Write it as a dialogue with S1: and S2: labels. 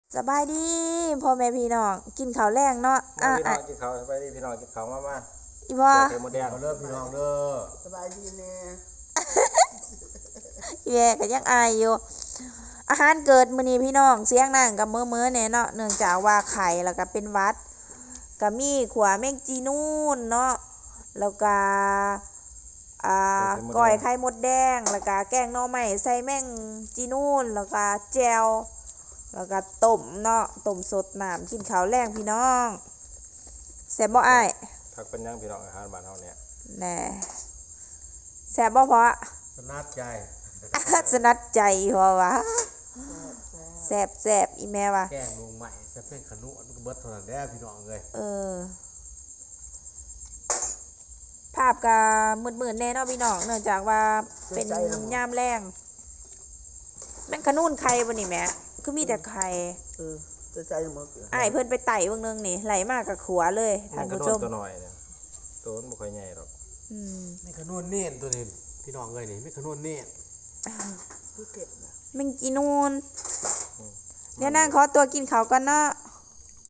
S1: สบายดีพ่อแม่พี่น้องกินข้าวแรงเนาะ
S2: พี่น้องกินข้าวไปดิพี่น้องกินข้าวมา
S1: อีพ่อ
S2: เทหมดแดงเด้อพี่น้องเด้อ
S3: สบายดีแน่
S1: แย่ก็ยังอายอยู่อาหารเกิดมื้อนี้พี่น้องเสียงนั่งกับมื้อแน่เนาะเนื่องจากว่าไข่แล้วก็เป็นหวัดก็มีขัวแมงจีนูนเนาะแล้วก็ก้อยไข่มดแดงแล้วก็แกงหน่อไม้ใส่แมงจีนูนแล้วก็แจ่วแล้วก็ต้มเนาะต้มสดน้ำกินข้าวแรงพี่น้องแซ่บบ่อ้าย
S2: ผักเป็นยังพี่น้องอาหารบ้านเฮาเนี่ย
S1: แน่แซ่บบ่พอ
S2: สนัดใจ
S1: สนัดใจพอวะแซ่บอีแม่วะ
S2: แกงลงใหม่จะเป็นขนุนก็เบิดเท่านั้นแหละพี่น้องเลย
S1: ภาพก็มืดๆแน่เนาะพี่น้องเนื่องจากว่าเป็นยามแรงแม่งขนุนไข่บ่นี่แม่คือมีแต่ไข่
S3: จะใจหมด
S1: อ้ายเพิ่นไปไต่เบิ่งนึงนี่ไหลมากกับขัวเลยท่านผู้ชม
S2: ตัวน้อยเนี่ยตัวมันบ่ค่อยใหญ่หรอก
S4: ไม่ขนุนเน่นตัวนี้พี่น้องเลยนี่ไม่ขนุนเน่น
S3: ผู้เก็บนะ
S1: แม่งจีนูนเดี๋ยวนั่งขอตัวกินข้าวก่อนเนาะ